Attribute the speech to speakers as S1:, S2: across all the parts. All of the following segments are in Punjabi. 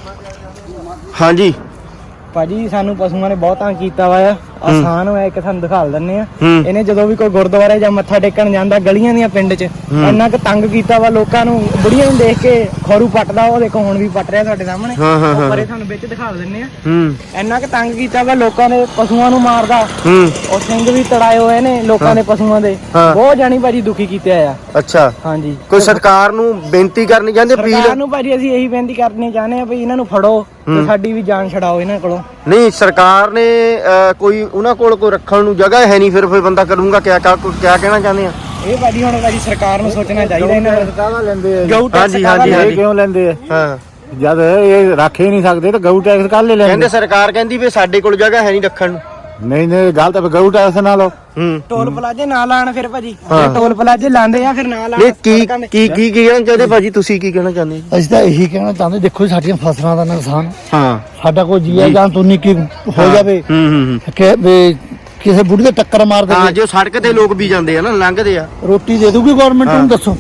S1: हाँ जी
S2: ਭਾਜੀ ਸਾਨੂੰ ਪਸ਼ੂਆਂ ਨੇ ਬਹੁਤ ਤੰਗ ਕੀਤਾ ਵਾ ਆਸਾਨ ਹੋਇਆ ਇੱਕ ਤੁਹਾਨੂੰ ਦਿਖਾ ਦਿੰਨੇ ਆ ਇਹਨੇ ਜਦੋਂ ਵੀ ਕੋਈ ਗੁਰਦੁਆਰੇ ਜਾਂ ਮੱਥਾ ਟੇਕਣ ਜਾਂਦਾ ਗਲੀਆਂ ਦੀਆਂ ਪਿੰਡ 'ਚ ਇੰਨਾ ਕੁ ਤੰਗ ਕੀਤਾ ਵਾ ਲੋਕਾਂ ਨੂੰ ਬੁੜੀਆਂ ਨੂੰ ਦੇਖ ਕੇ ਖੋਰੂ ਪੱਟਦਾ ਉਹ ਦੇਖੋ ਹੁਣ ਵੀ ਪੱਟ ਰਿਹਾ ਸਾਡੇ ਸਾਹਮਣੇ ਪਰੇ ਤੁਹਾਨੂੰ ਵਿੱਚ ਦਿਖਾ ਦਿੰਨੇ ਆ ਇੰਨਾ ਕੁ ਤੰਗ ਕੀਤਾ ਵਾ ਲੋਕਾਂ ਨੇ ਪਸ਼ੂਆਂ ਨੂੰ ਮਾਰਦਾ ਉਹ ਸਿੰਘ ਵੀ ਤੜਾਏ ਹੋਏ ਨੇ ਲੋਕਾਂ ਦੇ ਪਸ਼ੂਆਂ ਦੇ ਬਹੁਤ ਜਾਣੀ ਭਾਜੀ ਦੁਖੀ ਕੀਤੇ ਆ
S1: अच्छा
S2: ਹਾਂਜੀ
S1: कोई सरकार नूं बेनती करनी चाहते
S2: ਸਰਕਾਰ ਨੂੰ ਭਾਜੀ ਅਸੀਂ ਇਹੀ ਬੇਨਤੀ ਕਰਨੀ ਚਾਹੁੰਦੇ ਆ ਵੀ ਇਹਨਾਂ ਨੂੰ ਫੜੋ ਤੇ ਸਾਡੀ ਵੀ ਜਾਨ ਛਡਾਓ ਇਹਨਾਂ ਕੋਲੋਂ
S1: नहीं सरकार ने कोई उन्हां कोल कोई रखण नूं जगह है नहीं फिर बंदा करूंगा क्या कहना चाहते हैं
S2: ਇਹ ਭਾਜੀ ਹੁਣ ਭਾਜੀ ਸਰਕਾਰ ਨੂੰ ਸੋਚਣਾ ਚਾਹੀਦਾ ਇਹਨਾਂ ਨੂੰ
S3: ਕਾਹਦਾ ਲੈਂਦੇ ਆ
S2: ਗਊ ਟੈਕਸ
S1: ਹਾਂਜੀ
S3: ਕਿਉਂ ਲੈਂਦੇ ਆ
S1: हाँ
S3: ਜਦ ਇਹ ਰੱਖ ਹੀ ਨਹੀਂ ਸਕਦੇ ਤਾਂ ਗਊ ਟੈਕਸ ਕੱਲ ਲੈ ਲੈਂਦੇ
S1: कहंदे सरकार कहंदी भी साडे कोल जगह है नहीं रखण नूं
S3: ਨਹੀਂ ਗੱਲ ਤਾਂ ਗਊ ਟੈਕਸ ਨਾ ਲਓ
S2: ਟੋਲ ਪਲਾਜੇ ਨਾ ਲਾਣ ਫਿਰ ਭਾਜੀ ਟੋਲ ਪਲਾਜੇ ਲਾਉਂਦੇ ਆ ਫਿਰ ਨਾ ਲਾਣ
S1: ਨਹੀਂ ਕੀ ਕਹਿਣਾ ਚਾਹਦੇ ਭਾਜੀ ਤੁਸੀਂ ਕੀ ਕਹਿਣਾ ਚਾਹੁੰਦੇ
S4: ਅਸੀਂ ਤਾਂ ਇਹੀ ਕਹਿਣਾ ਚਾਹੁੰਦੇ ਦੇਖੋ ਸਾਡੀਆਂ ਫਸਲਾਂ ਦਾ ਨੁਕਸਾਨ
S1: ਹਾਂ
S4: ਸਾਡਾ ਕੋਈ ਜੀਆ ਜਾਂ ਤੁਨੀ ਕੀ ਹੋ ਜਾਵੇ ਕਿ ਵੀ ਕਿਸੇ ਬੁੱਢੀ ਦੇ ਟੱਕਰ ਮਾਰ ਦੇ
S1: ਹਾਂ ਜੋ ਸੜਕ ਤੇ ਲੋਕ ਵੀ ਜਾਂਦੇ ਆ ਨਾ ਲੰਘਦੇ ਆ
S4: ਰੋਟੀ ਦੇ ਦੂਗੀ ਗਵਰਨਮੈਂਟ ਨੂੰ ਦੱਸੋ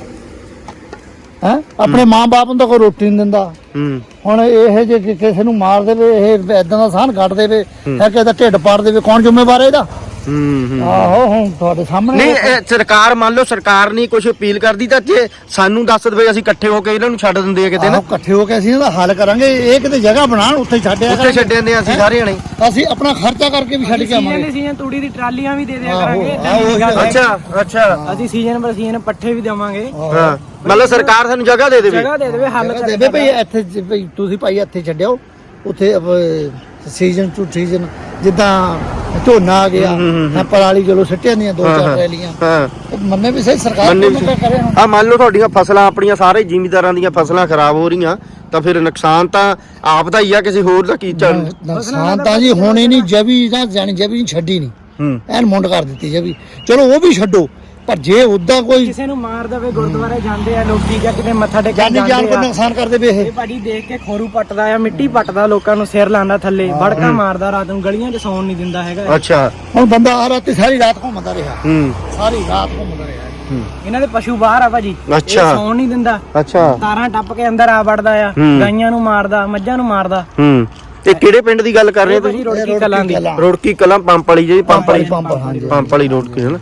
S4: ਹੈ ਆਪਣੇ ਮਾਂ-ਬਾਪ ਨੂੰ ਤਾਂ ਕੋਈ ਰੋਟੀ ਨਹੀਂ ਦਿੰਦਾ ਹੁਣ ਇਹ ਜੇ ਕਿਸੇ ਨੂੰ ਮਾਰ ਦੇਵੇ ਇਹ ਇਦਾਂ ਦਾ ਸਾਨ ਕੱਢ ਦੇਵੇ ਹੈ ਕਿਸੇ ਦਾ ਢਿੱਡ ਪਾੜ ਦੇਵੇ ਕੌਣ ਜ਼ਿੰਮੇਵਾਰ ਹੈ ਇਹਦਾ ਆਹੋ ਹੁਣ ਤੁਹਾਡੇ ਸਾਹਮਣੇ
S1: ਨਹੀਂ ਸਰਕਾਰ ਮੰਨ ਲਓ ਸਰਕਾਰ ਨਹੀਂ ਕੁਝ ਅਪੀਲ ਕਰਦੀ ਤਾਂ ਜੇ ਸਾਨੂੰ ਦੱਸ ਦੇਵੇ ਅਸੀਂ ਇਕੱਠੇ ਹੋ ਕੇ ਇਹਨਾਂ ਨੂੰ ਛੱਡ ਦਿੰਦੇ ਆ ਕਿਤੇ ਨਾ
S4: ਇਕੱਠੇ ਹੋ ਕੇ ਅਸੀਂ ਇਹਦਾ ਹੱਲ ਕਰਾਂਗੇ ਇਹ ਕਿਤੇ ਜਗ੍ਹਾ ਬਣਾਉਣ ਉੱਥੇ ਛੱਡਿਆ
S1: ਉੱਥੇ ਛੱਡ ਦਿੰਦੇ ਆ ਅਸੀਂ ਸਾਰੇ ਜਣੇ
S4: ਅਸੀਂ ਆਪਣਾ ਖਰਚਾ ਕਰਕੇ ਵੀ ਛੱਡ ਕੇ ਆਵਾਂਗੇ
S2: ਸੀਜ਼ਨ ਤੂੜੀ ਦੀ ਟਰਾਲੀਆਂ ਵੀ ਦੇ ਦਿਆ ਕਰਾਂਗੇ
S1: ਅੱਛਾ
S2: ਅਸੀਂ ਸੀਜ਼ਨ ਪਰ ਸੀਜ਼ਨ ਪੱਠੇ ਵੀ ਦੇਵਾਂਗੇ
S1: ਹਾਂ ਮਤਲਬ ਸਰਕਾਰ ਸਾਨੂੰ ਜਗ੍ਹਾ ਦੇ ਦੇਵੇ
S2: ਜਗ੍ਹਾ ਦੇ ਦੇਵੇ ਹੱਲ ਕਰ
S4: ਦੇਵੇ ਭਈ ਇੱਥੇ ਭਈ ਤੁਸੀਂ ਭਾਈ ਇੱਥੇ ਛੱਡਿਓ ਉੱਥੇ ਸੀਜ਼ਨ ਟੂ ਸੀਜ਼ਨ ਜਿੱਦਾਂ ਝੋਨਾ ਆ ਗਿਆ ਪਰਾਲੀ ਚਲੋ ਸਿੱਟਿਆ ਦੀਆਂ 2-4 ਰੈਲੀਆਂ ਮੰਨੇ ਵੀ ਸਹੀ ਸਰਕਾਰ ਕਰੇ
S1: ਆ ਮੰਨ ਲਓ ਤੁਹਾਡੀਆਂ ਫਸਲਾਂ ਆਪਣੀਆਂ ਸਾਰੇ ਜ਼ਿਮੀਂਦਾਰਾਂ ਦੀਆਂ ਫਸਲਾਂ ਖਰਾਬ ਹੋ ਰਹੀਆਂ ਤਾਂ ਫਿਰ ਨੁਕਸਾਨ ਤਾਂ ਆਪ ਦਾ ਹੀ ਆ ਕਿਸੇ ਹੋਰ ਦਾ ਕੀ ਚੱਲ
S4: ਨੁਕਸਾਨ ਤਾਂ ਜੀ ਹੋਣੀ ਨਹੀਂ ਜਵੀ ਜਾਂ ਜਾਣੀ ਜਵੀ ਨਹੀਂ ਛੱਡੀ ਨਹੀਂ ਐਨ ਮੁੰਡ ਕਰ ਦਿੱਤੀ ਜਵੀ ਚਲੋ ਉਹ ਵੀ ਛੱਡੋ ਪਰ ਜੇ ਉਦਾਂ ਕੋਈ
S2: ਕਿਸੇ ਨੂੰ ਮਾਰ ਦੇਵੇ ਗੁਰਦੁਆਰੇ ਜਾਂਦੇ ਆ ਲੋਕੀ ਜਾਂ ਕਿਤੇ ਮੱਥਾ ਟੇਕਣ
S4: ਜਾਨੀ ਜਾਨ ਕੋ ਨੁਕਸਾਨ ਕਰ ਦੇਵੇ
S2: ਇਹ ਭਾਜੀ ਦੇਖ ਕੇ ਖੋਰੂ ਪੱਟਦਾ ਆ ਮਿੱਟੀ ਪੱਟਦਾ ਲੋਕਾਂ ਨੂੰ ਸਿਰ ਲਾਉਂਦਾ ਥੱਲੇ ਵੜਕਾ ਮਾਰਦਾ ਰਾਤ ਨੂੰ ਗਲੀਆਂ 'ਚ ਸੌਣ ਨਹੀਂ ਦਿੰਦਾ ਹੈਗਾ
S1: ਅੱਛਾ
S4: ਹੁਣ ਬੰਦਾ ਆ ਰਾਤੀ ਸਾਰੀ ਰਾਤ ਘੁੰਮਦਾ ਰਿਹਾ ਸਾਰੀ ਰਾਤ ਘੁੰਮਦਾ ਰਿਹਾ
S2: ਇਹਨਾਂ ਦੇ ਪਸ਼ੂ ਬਾਹਰ ਆ ਭਾਜੀ
S1: ਅੱਛਾ
S2: ਸੌਣ ਨਹੀਂ ਦਿੰਦਾ
S1: ਅੱਛਾ
S2: ਤਾਰਾਂ ਟੱਪ ਕੇ ਅੰਦਰ ਆ ਵੜਦਾ ਆ ਗਾਈਆਂ ਨੂੰ ਮਾਰਦਾ ਮੱਝਾਂ ਨੂੰ ਮਾਰਦਾ
S1: ਇਹ ਕਿਹੜੇ ਪਿੰਡ ਦੀ ਗੱਲ ਕਰ ਰਹੇ ਹੋ ਤੁਸੀਂ
S2: ਰੋੜਕੀ ਕਲਾਂ ਦੀ
S1: ਰੋੜਕੀ ਕਲਾਂ ਪੰਪ ਵਾਲੀ ਜਿਹੜੀ ਪੰਪ ਵਾਲੀ ਰੋੜਕੀ ਹੈ ਨਾ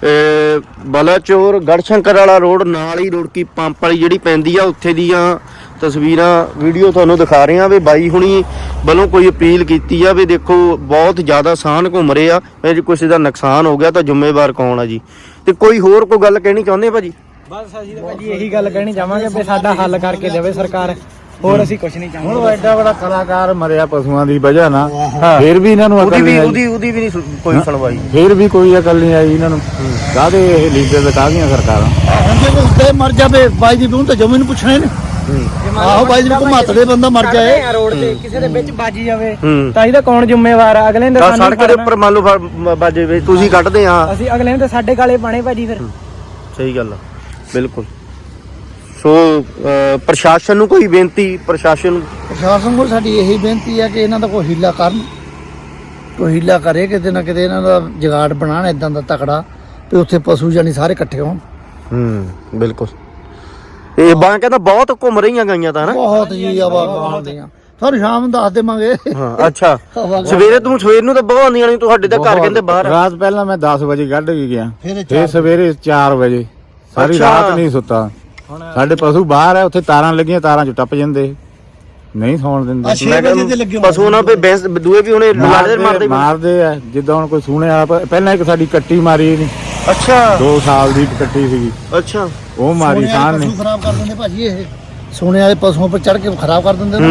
S1: ਬਲਾਚੌਰ ਗੜਸ਼ੰਕਰ ਵਾਲਾ ਰੋਡ ਨਾਲ ਹੀ ਰੋੜਕੀ ਪੰਪ ਵਾਲੀ ਜਿਹੜੀ ਪੈਂਦੀ ਆ ਉੱਥੇ ਦੀਆਂ ਤਸਵੀਰਾਂ ਵੀਡੀਓ ਤੁਹਾਨੂੰ ਦਿਖਾ ਰਹੇ ਆ ਵੀ ਬਾਈ ਹੁਣੀ ਵੱਲੋਂ ਕੋਈ ਅਪੀਲ ਕੀਤੀ ਆ ਵੀ ਦੇਖੋ ਬਹੁਤ ਜ਼ਿਆਦਾ ਸਾਨ ਘੁੰਮ ਰਹੇ ਆ ਜੇ ਕਿਸੇ ਦਾ ਨੁਕਸਾਨ ਹੋ ਗਿਆ ਤਾਂ ਜ਼ਿੰਮੇਵਾਰ ਕੌਣ ਆ ਜੀ ਤੇ ਕੋਈ ਹੋਰ ਕੋਈ ਗੱਲ ਕਹਿਣੀ ਚਾਹੁੰਦੇ ਭਾਜੀ
S2: ਬਸ ਅਸੀਂ ਤਾਂ ਭਾਜੀ ਇਹੀ ਗੱਲ ਕਹਿਣੀ ਚਾਹਾਂਗੇ ਵੀ ਸਾਡਾ ਹੱਲ ਕਰਕੇ ਦੇਵੇ ਸਰਕਾਰ ਹੋਰ ਅਸੀਂ ਕੁਝ ਨਹੀਂ ਚਾਹੁੰਦੇ
S3: ਹੁਣ ਐਡਾ ਬੜਾ ਕਲਾਕਾਰ ਮਰਿਆ ਪਸ਼ੂਆਂ ਦੀ ਵਜ੍ਹਾ ਨਾਲ ਫਿਰ ਵੀ ਇਹਨਾਂ ਨੂੰ
S1: ਉਹਦੀ ਵੀ ਨਹੀਂ ਕੋਈ ਸੁਣਵਾਈ
S3: ਫਿਰ ਵੀ ਕੋਈ ਅਕਲ ਨਹੀਂ ਆਈ ਇਹਨਾਂ ਨੂੰ ਕਾਹਦੇ ਇਹ ਲੀਡਰ ਤੇ ਕਾਹਦੀਆਂ ਸਰਕਾਰਾਂ
S4: ਜੇ ਕੋਈ ਉੱਤੇ ਮਰ ਜਾਵੇ ਬਾਈ ਜੀ ਨੂੰ ਤਾਂ ਜਮੀ ਨੂੰ ਪੁੱਛਣਾ ਨੇ ਆਹੋ ਬਾਈ ਜੀ ਨੂੰ ਘੁਮਾਤਦੇ ਬੰਦਾ ਮਰ ਜਾਏ
S2: ਰੋਡ ਤੇ ਕਿਸੇ ਦੇ ਵਿੱਚ ਵੱਜ ਜਾਵੇ ਤਾਂ ਇਹਦਾ ਕੌਣ ਜ਼ਿੰਮੇਵਾਰ ਆ ਅਗਲੇ ਨੇ ਸਾਨੂੰ
S1: ਸੜਕ ਦੇ ਉੱਪਰ ਮੰਨ ਲਓ ਬਾਜੇ ਵੇ ਤੁਸੀਂ ਕੱਢਦੇ ਆ
S2: ਅਸੀਂ ਅਗਲੇ ਨੇ ਤਾਂ ਸਾਡੇ ਗਾਲੇ ਪਾਣੇ ਭਾਜੀ ਫਿਰ
S1: ਸਹੀ ਗੱਲ ਆ ਬਿਲਕੁਲ ਸੋ ਪ੍ਰਸ਼ਾਸਨ ਨੂੰ ਕੋਈ ਬੇਨਤੀ ਪ੍ਰਸ਼ਾਸਨ
S4: ਕੋਲ ਸਾਡੀ ਇਹੀ ਬੇਨਤੀ ਹੈ ਕਿ ਇਹਨਾਂ ਦਾ ਕੋਈ ਹੀਲਾ ਕਰਨ ਕੋਈ ਹੀਲਾ ਕਰੇ ਕਿਤੇ ਨਾ ਕਿਤੇ ਇਹਨਾਂ ਦਾ ਜਗਾੜ ਬਣਾਉਣ ਇਦਾਂ ਦਾ ਤਕੜਾ ਤੇ ਉੱਥੇ ਪਸ਼ੂ ਜਾਨੀ ਸਾਰੇ ਇਕੱਠੇ ਹੋਣ
S1: ਬਿਲਕੁਲ ਇਹ ਬਾਂ ਕਹਿੰਦਾ ਬਹੁਤ ਘੁੰਮ ਰਹੀਆਂ ਗਾਈਆਂ ਤਾਂ ਹਨਾ
S4: ਬਹੁਤ ਜੀ ਆਵਾਜ਼ਾਂ ਤੁਹਾਨੂੰ ਸ਼ਾਮ ਨੂੰ ਦੱਸ ਦੇਵਾਂਗੇ
S1: ਹਾਂ ਅੱਛਾ ਸਵੇਰ ਨੂੰ ਤਾਂ ਬਹੁਤ ਆਉਂਦੀਆਂ ਨੇ ਤੁਹਾਡੇ ਤਾਂ ਘਰ ਕਹਿੰਦੇ ਬਾਹਰ
S3: ਰਾਤ ਪਹਿਲਾਂ ਮੈਂ 10 ਵਜੇ ਕੱਢ ਕੇ ਗਿਆ ਫਿਰ ਸਵੇਰੇ 4 ਵਜੇ ਸਾਰੀ ਰਾਤ ਨਹੀਂ ਸੁੱਤਾ ਸਾਡੇ ਪਸ਼ੂ ਬਾਹਰ ਆ ਉੱਥੇ ਤਾਰਾਂ ਲੱਗੀਆਂ ਤਾਰਾਂ ਚ ਟੱਪ ਜਾਂਦੇ ਨਹੀਂ ਸੌਣ ਦਿੰਦੇ
S1: ਪਸ਼ੂ ਨਾ ਬੈਂਸ ਦੂਏ ਵੀ ਉਹਨੇ
S3: ਮਾਰਦੇ ਆ ਜਿੱਦਾਂ ਹੁਣ ਕੋਈ ਸੁਣਿਆ ਪਹਿਲਾਂ ਇੱਕ ਸਾਡੀ ਕੱਟੀ ਮਾਰੀ ਨਹੀਂ
S1: ਅੱਛਾ
S3: 2 ਸਾਲ ਦੀ ਕੱਟੀ ਸੀਗੀ
S1: ਅੱਛਾ
S3: ਉਹ ਮਾਰੀ ਸਾਨ ਨੇ
S4: ਖਰਾਬ ਕਰ ਦਿੰਦੇ ਭਾਜੀ ਇਹ ਸੋਨੇ ਵਾਲੇ ਪਸ਼ੂਆਂ ਉੱਪਰ ਚੜ ਕੇ ਖਰਾਬ ਕਰ ਦਿੰਦੇ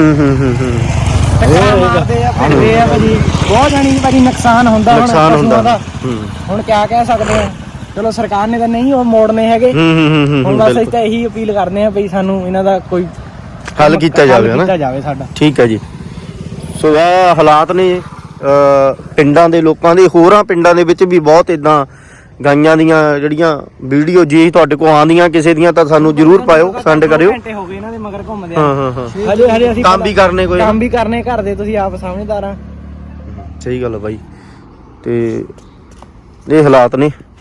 S2: ਮਾਰਦੇ ਆ ਫਿਰਦੇ ਆ ਭਾਜੀ ਬਹੁਤ ਜਾਨੀ ਭਾਜੀ ਨੁਕਸਾਨ ਹੁੰਦਾ ਹੁਣ ਕਿਆ ਕਹਿ ਸਕਦੇ ਆ ਚਲੋ ਸਰਕਾਰ ਨੇ ਤਾਂ ਨਹੀਂ ਉਹ ਮੋੜਨੇ ਹੈਗੇ ਹੁਣ ਬਸ ਅਸੀਂ ਤਾਂ ਇਹੀ ਅਪੀਲ ਕਰਦੇ ਆ ਬਈ ਸਾਨੂੰ ਇਹਨਾਂ ਦਾ ਕੋਈ
S1: ਹੱਲ ਕੀਤਾ ਜਾਵੇ ਹਨਾ
S2: ਸਾਡਾ
S1: ਠੀਕ ਹੈ ਜੀ ਸੋ ਇਹ ਹਾਲਾਤ ਨੇ ਪਿੰਡਾਂ ਦੇ ਲੋਕਾਂ ਦੇ ਹੋਰਾਂ ਪਿੰਡਾਂ ਦੇ ਵਿੱਚ ਵੀ ਬਹੁਤ ਇਦਾਂ ਗਾਈਆਂ ਦੀਆਂ ਜਿਹੜੀਆਂ ਵੀਡੀਓ ਜੇ ਤੁਹਾਡੇ ਕੋਲ ਆਉਂਦੀਆਂ ਕਿਸੇ ਦੀਆਂ ਤਾਂ ਸਾਨੂੰ ਜ਼ਰੂਰ ਪਾਇਓ ਸੈਂਡ ਕਰਿਓ
S2: ਘੰਟੇ ਹੋ ਗਏ ਇਹਨਾਂ ਦੇ ਮਗਰ ਘੁੰਮਦੇ ਆ ਹਜੇ ਅਸੀਂ
S1: ਕੰਮ ਵੀ ਕਰਨੇ
S2: ਘਰ ਦੇ ਤੁਸੀਂ ਆਪ ਸਮਝਦਾਰ ਆ
S1: ਸਹੀ ਗੱਲ ਹੈ ਬਾਈ ਤੇ ਇਹ ਹਾਲਾਤ ਨੇ